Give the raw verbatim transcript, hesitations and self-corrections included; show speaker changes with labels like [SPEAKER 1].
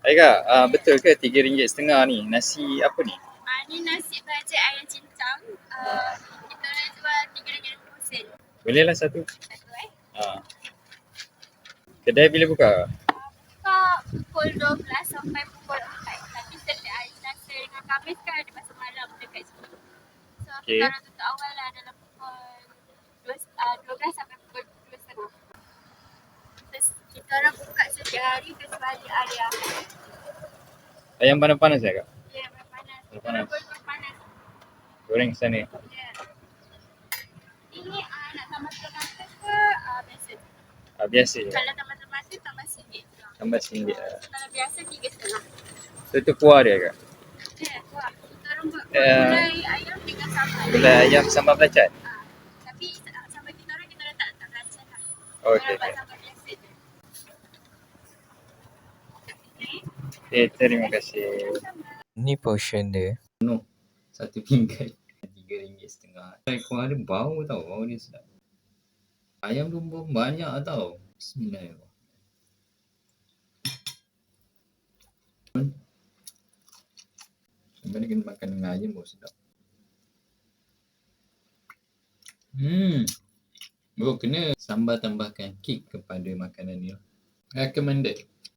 [SPEAKER 1] Aika, uh, betul ke tiga ringgit setengah ni? Nasi apa ni?
[SPEAKER 2] Ah, ni nasi bajet ayam cincang. Uh, kita nak jual tiga ringgit lima puluh sen.
[SPEAKER 1] Boleh lah satu.
[SPEAKER 2] Satu eh.
[SPEAKER 1] Uh. Kedai bila buka?
[SPEAKER 2] Uh, buka pukul dua belas sampai pukul empat. Tapi setiap hari Selasa dengan Khamis kan ada pasar malam dekat sini. So
[SPEAKER 1] Okay.
[SPEAKER 2] kita orang tutup awal lah dalam pukul dua, uh, dua belas sampai pukul dua tiga puluh. Terus kita orang buka setiap hari kecuali hari Ahad.
[SPEAKER 1] Ayam panas-panas ya kak?
[SPEAKER 2] Ya, panas. Kita
[SPEAKER 1] Panas.
[SPEAKER 2] orang boleh panas.
[SPEAKER 1] Goreng sana.
[SPEAKER 2] Ya. Ini uh, nak tambah tomato ke uh, biasa?
[SPEAKER 1] Uh, biasa je.
[SPEAKER 2] Kalau tambah tomato tambah singgit.
[SPEAKER 1] Tambah singgit lah.
[SPEAKER 2] Kalau biasa tiga setengah.
[SPEAKER 1] So tu kuah dia kak?
[SPEAKER 2] Ya, kuah. Kita orang buat
[SPEAKER 1] Eh,
[SPEAKER 2] gulai ayam dengan sambal.
[SPEAKER 1] Gulai ayam sambal belacan?
[SPEAKER 2] Ah, tapi uh, sambal kita orang kita letak tak belacan lah.
[SPEAKER 1] Oh,
[SPEAKER 2] Kita
[SPEAKER 1] okay.
[SPEAKER 2] orang buat sambal biasa je.
[SPEAKER 1] Okay, terima kasih.
[SPEAKER 3] Ni portion dia.
[SPEAKER 1] Satu pinggan. Tiga ringgit setengah. Kuah dia bau tau. Bau dia sedap. Ayam tu pun banyak tau. Bismillahirrahmanirrahim. Sebenarnya kena makan dengan ayam baru sedap. Hmm. Bro, kena sambal tambahkan kek kepada makanan ni. Recommended.